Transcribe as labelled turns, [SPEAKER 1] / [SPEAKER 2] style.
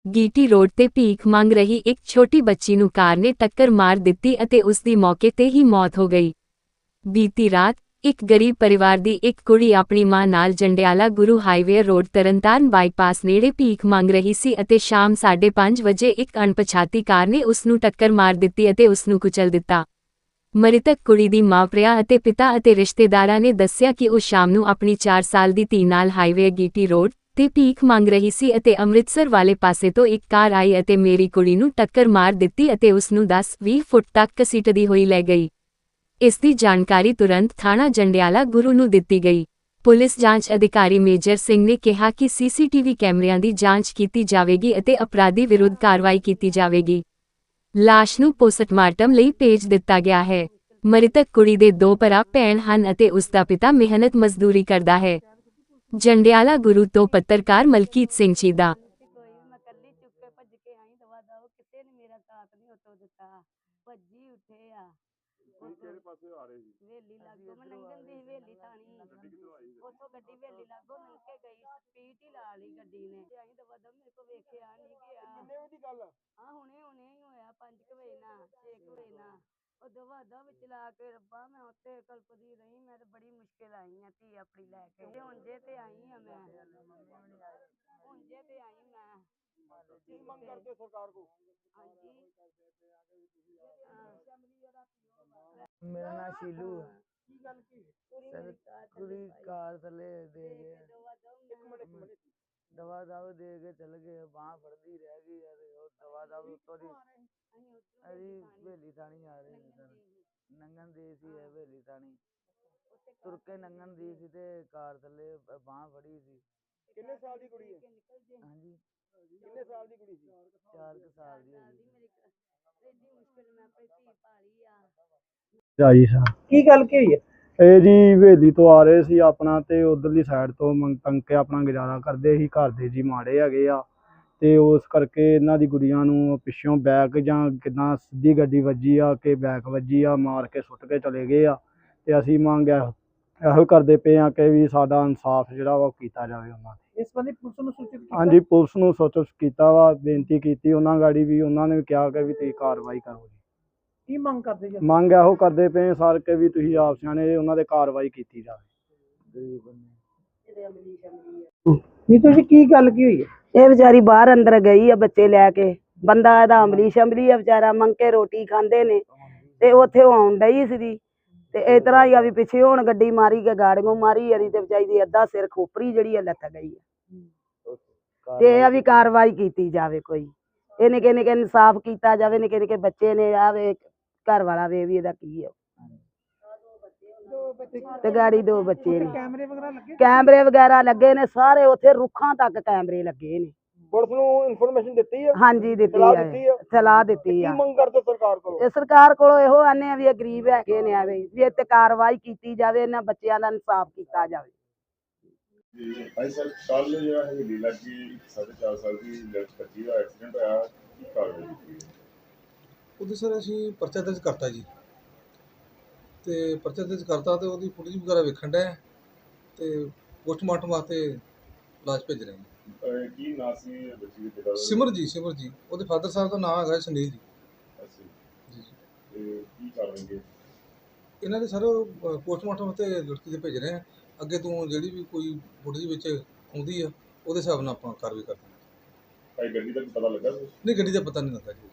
[SPEAKER 1] ਗੀਟੀ road ਤੇ ਭੀਖ ਮੰਗ ਰਹੀ ਇੱਕ ਛੋਟੀ ਬੱਚੀ ਨੂੰ ਕਾਰ ਨੇ ਟੱਕਰ ਮਾਰ ਦਿੱਤੀ ਅਤੇ ਉਸ ਦੀ ਮੌਕੇ ਤੇ ਹੀ ਮੌਤ ਹੋ ਗਈ। ਬੀਤੀ ਰਾਤ ਇੱਕ ਗਰੀਬ ਪਰਿਵਾਰ ਦੀ ਇੱਕ ਕੁੜੀ ਆਪਣੀ ਮਾਂ ਨਾਲ Jandiala Guru highway road Tarn Taran bypass ਨੇੜੇ ਭੀਖ ਮੰਗ ਰਹੀ ਸੀ ਅਤੇ ਸ਼ਾਮ 5:30 ਵਜੇ ਇੱਕ ਅਣਪਛਾਤੀ ਕਾਰ ਨੇ ਉਸ ਨੂੰ ਟੱਕਰ ਮਾਰ ਦਿੱਤੀ ਅਤੇ ਉਸ ਨੂੰ ਕੁਚਲ ਦਿੱਤਾ। ਮ੍ਰਿਤਕ ਕੁੜੀ ਦੀ ਮਾਂ ਪ੍ਰਿਆ ਅਤੇ ਪਿਤਾ ਅਤੇ ਰਿਸ਼ਤੇਦਾਰਾਂ ਨੇ ਦੱਸਿਆ ਕਿ ਉਹ ਸ਼ਾਮ ਨੂੰ ਆਪਣੀ 4 ਸਾਲ ਦੀ ਧੀ ਨਾਲ ਹਾਈਵੇ ਗੀਟੀ ਰੋਡ ਤੇ ਭੀਖ ਮੰਗ ਰਹੀ ਸੀ ਅਤੇ ਅੰਮ੍ਰਿਤਸਰ ਵਾਲੇ ਪਾਸੇ ਤੋਂ ਇੱਕ ਕਾਰ ਆਈ ਅਤੇ ਮੇਰੀ ਕੁੜੀ ਨੂੰ ਟੱਕਰ ਮਾਰ ਦਿੱਤੀ ਅਤੇ ਉਸ ਨੂੰ 10-20 ਫੁੱਟ ਤੱਕ ਘਸੀਟਦੀ ਹੋਈ ਲੈ ਗਈ। ਇਸ ਦੀ ਜਾਣਕਾਰੀ ਤੁਰੰਤ ਥਾਣਾ ਜੰਡਿਆਲਾ ਗੁਰੂ ਨੂੰ ਦਿੱਤੀ ਗਈ। ਪੁਲਿਸ ਜਾਂਚ ਅਧਿਕਾਰੀ ਮੇਜਰ ਸਿੰਘ ਨੇ ਕਿਹਾ ਕਿ ਸੀਸੀਟੀਵੀ ਕੈਮਰਿਆਂ ਦੀ ਜਾਂਚ ਕੀਤੀ ਜਾਵੇਗੀ ਅਤੇ ਅਪਰਾਧੀ ਵਿਰੁੱਧ ਕਾਰਵਾਈ ਕੀਤੀ ਜਾਵੇਗੀ। ਲਾਸ਼ ਨੂੰ ਪੋਸਟਮਾਰਟਮ ਲਈ ਭੇਜ ਦਿੱਤਾ ਗਿਆ ਹੈ। ਮ੍ਰਿਤਕ ਕੁੜੀ ਦੇ 2 ਭਰਾ ਭੈਣ ਹਨ ਅਤੇ ਉਸ ਦਾ ਪਿਤਾ ਮਿਹਨਤ ਮਜ਼ਦੂਰੀ ਕਰਦਾ ਹੈ। ਜੰਡਿਆਲਾ ਗੁਰੂ ਤੋਂ ਪੱਤਰਕਾਰ ਮਲਕੀਤ ਸਿੰਘ ਚੀਦਾ।
[SPEAKER 2] ਕਿਹੜੇ ਪਾਸੇ ਆ ਰਹੇ ਸੀ?
[SPEAKER 3] ਵੇਲੀ ਲੱਗੋ ਮੈਂ ਲੰਘਣ ਦੀ ਵੇਲੀ ਥਾਣੀ ਉੱਥੋਂ ਗੱਡੀ ਵੇਲੀ ਲੱਗੋ ਲੰਘ ਕੇ ਗਈ ਸਪੀਡ ਹੀ ਲਾ ਲਈ ਗੱਡੀ ਨੇ ਤੇ ਅਸੀਂ ਦਵਾ ਦਵ ਮੇਰੇ ਕੋ ਵੇਖਿਆ ਨਹੀਂ ਗਿਆ।
[SPEAKER 2] ਕਿੰਨੇ ਵਜੇ ਦੀ ਗੱਲ ਆ?
[SPEAKER 3] ਹਾਂ ਹੁਣੇ ਹੀ ਹੋਇਆ 5 ਵਜੇ ਨਾ 6 ਵਜੇ ਨਾ ਉਹ ਦਵਾ ਦਵ ਚਲਾ ਕੇ ਰੱਬਾ ਮੈਂ ਉੱਥੇ ਕਲਪਦੀ ਰਹੀ। ਮੈਂ ਤਾਂ ਬੜੀ ਮੁਸ਼ਕਿਲ ਆਈ ਆ ਧੀ ਆਪਣੀ ਲੈ ਕੇ ਹੁਣ ਜੇ ਤੇ ਆਈ ਆ ਮੈਂ ਹੁਣ ਜੇ ਤੇ ਆਈ ਮੈਂ
[SPEAKER 2] ਕੀ ਮੰਗ ਕਰਦੇ ਸਰਕਾਰ ਕੋ?
[SPEAKER 3] ਹਾਂਜੀ
[SPEAKER 4] मेरा नाम शीलू है।
[SPEAKER 2] ਕੀ ਗੱਲ ਕੀ?
[SPEAKER 4] सर पूरी कार थले दे गए
[SPEAKER 2] ਇੱਕ ਮਿੰਟ
[SPEAKER 4] दवा दव दे के चल गए बांह फड़दी रह गई यार और दवा दव उत्तों दी अरे हवेली थानी आ रहे हैं सर नंगन दी सी हवेली थानी तुर के नंगन दी सी ते कार थले बांह फड़ी सी।
[SPEAKER 2] ਕਿੰਨੇ ਸਾਲ ਦੀ ਕੁੜੀ ਹੈ?
[SPEAKER 4] हाँ जी
[SPEAKER 2] ਕਿੰਨੇ ਸਾਲ ਦੀ ਕੁੜੀ ਸੀ?
[SPEAKER 4] 4 साल दी होगी।
[SPEAKER 3] ਇੰਨੀ ਮੁਸ਼ਕਿਲ ਮੈਂ ਆਪਣੀ ਧੀ ਪਾਲੀ ਆ।
[SPEAKER 2] ਜੀ ਸਰ ਕੀ ਗੱਲ ਕੀ ਹੋਈ ਹੈ? ਇਹ ਜੀ ਹਵੇਲੀ ਤੋਂ ਆ ਰਹੇ ਸੀ ਆਪਣਾ ਤੇ ਉਧਰਲੀ ਸਾਈਡ ਤੋਂ ਮੰਗ ਕੇ ਆਪਣਾ ਗੁਜ਼ਾਰਾ ਕਰਦੇ ਸੀ। ਘਰ ਦੇ ਜੀ ਮਾੜੇ ਹੈਗੇ ਆ ਤੇ ਉਸ ਕਰਕੇ ਇਹਨਾਂ ਦੀ ਗੁੜੀਆਂ ਨੂੰ ਪਿੱਛੋਂ ਬੈਕ ਜਾਂ ਕਿੱਦਾਂ ਸਿੱਧੀ ਗੱਡੀ ਵੱਜੀ ਆ ਕਿ ਬੈਕ ਵੱਜੀ ਆ ਮਾਰ ਕੇ ਸੁੱਟ ਕੇ ਚਲੇ ਗਏ ਆ ਤੇ ਅਸੀਂ ਮੰਗ ਇਹੋ ਕਰਦੇ ਪਏ ਆ ਕਿ ਵੀ ਸਾਡਾ ਇਨਸਾਫ ਜਿਹੜਾ ਵਾ ਉਹ ਕੀਤਾ ਜਾਵੇ ਉਹਨਾਂ ਤੇ।
[SPEAKER 5] ਇਸ ਬੰਦੇ ਪੁਲਿਸ ਨੂੰ ਸੂਚਿਤ ਕੀਤਾ?
[SPEAKER 2] ਹਾਂਜੀ ਪੁਲਿਸ ਨੂੰ ਸੂਚਿਤ ਕੀਤਾ ਵਾ, ਬੇਨਤੀ ਕੀਤੀ ਉਹਨਾਂ ਗਾੜੀ ਵੀ ਉਹਨਾਂ ਨੇ ਵੀ ਕਿਹਾ ਕਿ ਵੀ ਤੁਸੀਂ ਕਾਰਵਾਈ ਕਰੋ ਜੀ।
[SPEAKER 5] ਕੀ ਮੰਗ ਕਰਦੇ ਜੀ?
[SPEAKER 2] ਮੰਗ ਇਹੋ ਕਰਦੇ ਪਏ ਸਰ ਕਿ ਵੀ ਤੁਸੀਂ ਆਪ ਸਿਆਣੇ ਉਹਨਾਂ ਦੇ ਕਾਰਵਾਈ ਕੀਤੀ ਜਾਵੇ।
[SPEAKER 5] ਨੀਤੂ ਜੀ ਕੀ ਗੱਲ ਕੀ ਹੋਈ ਹੈ?
[SPEAKER 6] ਇਹ ਵਿਚਾਰੀ ਬਾਹਰ ਅੰਦਰ ਗਈ ਆ ਬੱਚੇ ਲੈ ਕੇ। ਬੰਦਾ ਇਹਦਾ ਅਮਲੀ ਸ਼ਮਲੀ ਆ ਵਿਚਾਰਾ ਮੰਗ ਕੇ ਰੋਟੀ ਖਾਂਦੇ ਨੇ ਤੇ ਉੱਥੇ ਆਉਣ ਡਈ ਸੀ ਤੇ ਇਸ ਤਰ੍ਹਾਂ ਹੀ ਆ ਵੀ ਪਿੱਛੇ ਹੁਣ ਗੱਡੀ ਮਾਰੀ ਕੇ ਗਾੜੀਆਂ ਮਾਰੀ ਯਾਰੀ ਤੇ ਵਿਚਾਰੀ ਦੀ ਅੱਧਾ ਸਿਰ ਖੋਪਰੀ ਜਿਹੜੀ ਆ ਲੱਥ ਗਈ ਆ ਤੇ ਇਹ ਆ ਵੀ ਕਾਰਵਾਈ ਕੀਤੀ ਜਾਵੇ। ਕੋਈ ਇਹ ਨਿੱਕੇ ਨਿੱਕੇ ਇਨਸਾਫ ਕੀਤਾ ਜਾਵੇ। ਨਿੱਕੇ ਨਿੱਕੇ ਬੱਚੇ ਨੇ ਆਵੇ ਘਰ ਵਾਲਾ ਵੇ ਵੀ ਇਹਦਾ ਕੀ ਆ ਤੇ ਗਾੜੀ 2 ਬੱਚੇ ਨੇ।
[SPEAKER 5] ਕੈਮਰੇ ਵਗੈਰਾ ਲੱਗੇ?
[SPEAKER 6] ਕੈਮਰੇ ਵਗੈਰਾ ਲੱਗੇ ਨੇ ਸਾਰੇ ਉੱਥੇ ਰੁੱਖਾਂ ਤੱਕ ਕੈਮਰੇ ਲੱਗੇ ਨੇ।
[SPEAKER 2] ਪੁਲਿਸ ਨੂੰ ਇਨਫੋਰਮੇਸ਼ਨ ਦਿੱਤੀ ਹੈ?
[SPEAKER 6] ਹਾਂਜੀ ਦਿੱਤੀ
[SPEAKER 2] ਸਲਾਹ
[SPEAKER 6] ਆ
[SPEAKER 2] ਦਿੱਤੀ ਆ?
[SPEAKER 6] ਸਲਾਹ ਦਿੱਤੀ
[SPEAKER 2] ਕੀ
[SPEAKER 6] ਆ।
[SPEAKER 2] ਮੰਗ ਕਰਦੇ ਸਰਕਾਰ ਕੋਲੋਂ?
[SPEAKER 6] ਇਹ ਸਰਕਾਰ ਕੋਲੋਂ ਇਹੋ ਆਨੇ ਆ ਵੀ ਇਹ ਗਰੀਬ ਹੈਗੇ ਨੇ ਆਵੇ ਵੀ ਇੱਥੇ ਕਾਰਵਾਈ ਕੀਤੀ ਜਾਵੇ ਇਹਨਾਂ ਬੱਚਿਆਂ ਦਾ ਇਨਸਾਫ ਕੀਤਾ ਜਾਵੇ।
[SPEAKER 7] ਭਾਈ ਸਰ ਕੱਲ ਜਿਹੜਾ ਹੈ ਲੀਲਾ ਜੀ 4.5 ਸਾਲ ਦੀ ਲੜਕੀ ਦਾ ਐਕਸੀਡੈਂਟ ਹੋਇਆ ਕੀ ਕਾਰਨ ਹੈ?
[SPEAKER 8] ਉਹਦੇ ਸਰ ਅਸੀਂ ਪਰਚਾ ਦਰਜ ਕਰਤਾ ਜੀ ਤੇ ਪਰਚਾ ਦਰਜ ਕਰਤਾ ਤੇ ਉਹਦੀ ਫੁਟੇਜ ਵਗੈਰਾ ਵੇਖਣ ਡਏ ਤੇ ਪੋਸਟਮਾਰਟਮ ਵਾਸਤੇ ਲਾਸ਼ ਭੇਜ ਰਹੇ ਹਾਂ।
[SPEAKER 7] ਕੀ ਨਾਂ ਸੀ ਬੱਚੀ ਦੇ ਪਿਤਾ ਦਾ?
[SPEAKER 8] ਸਿਮਰ ਜੀ ਉਹਦੇ ਫਾਦਰ ਸਾਹਿਬ ਦਾ ਨਾਮ ਹੈਗਾ ਸੁਨੀਲ ਜੀ।
[SPEAKER 7] ਅੱਛਾ
[SPEAKER 8] ਜੀ
[SPEAKER 7] ਤੇ ਕੀ ਕਾਰਨ ਹੈ?
[SPEAKER 8] ਇਹਨਾਂ ਦੇ ਸਰ ਪੋਸਟਮਾਰਟਮ ਤੇ ਲੜਕੀ ਦੇ ਭੇਜ ਰਹੇ ਆ। ਅੱਗੇ ਤੋਂ ਜਿਹੜੀ ਵੀ ਕੋਈ ਫੁਟੇਜ ਵਿੱਚ ਆਉਂਦੀ ਆ ਉਹਦੇ ਹਿਸਾਬ ਨਾਲ ਆਪਾਂ ਕਾਰਵਾਈ ਕਰਦੇ ਹਾਂ।
[SPEAKER 7] ਭਾਈ ਗੱਡੀ ਦਾ ਪਤਾ ਲੱਗਾ?
[SPEAKER 8] ਨਹੀਂ ਗੱਡੀ ਦਾ ਪਤਾ ਨਹੀਂ ਲੱਗਾ ਜੀ।